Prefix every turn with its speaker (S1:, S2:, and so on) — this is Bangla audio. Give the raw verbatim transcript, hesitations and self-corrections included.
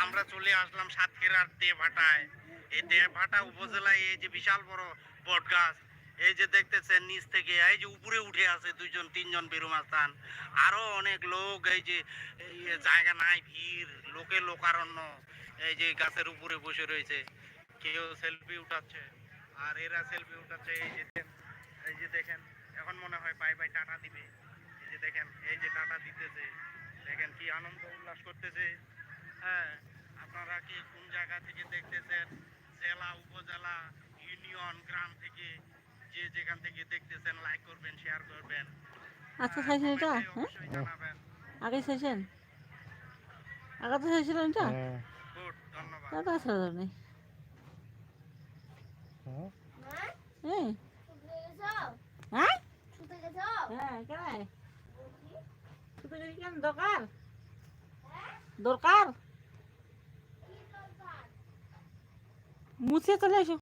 S1: আমরা চলে আসলাম সাতক্ষীরার দেভাটায়। এই দেভাটা উপজেলায় এই যে বিশাল বড় বট গাছ, এই যে দেখতেছেন নিচ থেকে এই যে উপরে উঠে আছে দুইজন তিনজন বেরুমাস্তান, আরো অনেক লোক। এই যে এই জায়গা নাই, ভিড়, লোকে লোকারণ্য। এই যে গাছের উপরে বসে রয়েছে, কেউ সেলফি উঠাচ্ছে আর এরা সেলফি উঠাচ্ছে। এই যে এই যে দেখেন, এখন মনে হয় বাই বাই টাটা দিবে। এই যে দেখেন, এই যে টাটা দিতেছে, দেখেন কি আনন্দ উল্লাস করতেছে। হ্যাঁ, আপনারা কি কোন জায়গা থেকে দেখতেছেন, জেলা, উপজেলা, ইউনিয়ন, গ্রাম থেকে যে যেখান থেকে দেখতেছেন, লাইক করবেন, শেয়ার করবেন।
S2: আচ্ছা চাইছেন এটা? হ্যাঁ,
S1: অবশ্যই জানাবেন।
S2: আগে চাইছেন? আগে তো চাইছিলেন এটা?
S1: গুড, ধন্যবাদ।
S2: দাদা আসলে নেই। হ্যাঁ হ্যাঁ হ্যাঁ কেন ছুটে গেলি কেন? দরকার দরকার মুছে চলে এসো।